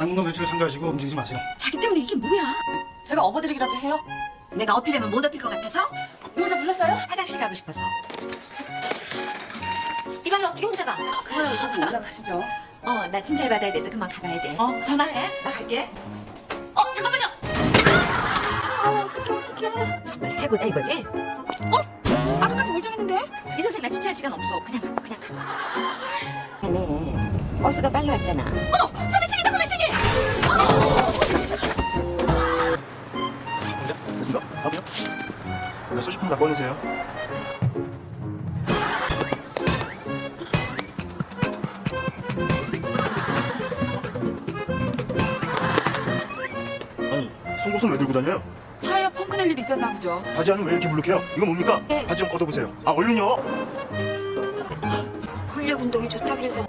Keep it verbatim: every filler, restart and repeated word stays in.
당분간 매출에 참가하시고 움직이지 마세요. 자기 때문에 이게 뭐야? 제가 업어드리기라도 해요? 내가 어필하면 못 어필 것 같아서? 노자 불렀어요? 화장실 가고 싶어서. 이발로 어떻게 혼자 가? 그거랑 이제 좀 올라가시죠. 어, 나 진찰 받아야 돼서 그만 가봐야 돼. 어, 전화해. 나 갈게. 어, 잠깐만요. 정말 해보자 이거지? 어? 아까까지 멀쩡했는데? 이 선생 나 진찰 시간 없어. 그냥 가, 그냥 가. 자네 버스가 빨리 왔잖아. 어머, 소매치기다, 소매치기! 됐습니다. 다음이요. 네, 소지품 갖고 오세요. 아니, 송곳은 왜 들고 다녀요? 타이어 펑크 낼 일이 있었나 보죠. 바지 안은 왜 이렇게 물룩해요? 이거 뭡니까? 네. 바지 좀 걷어보세요. 아, 얼른요! 근력 운동이 좋다 그래서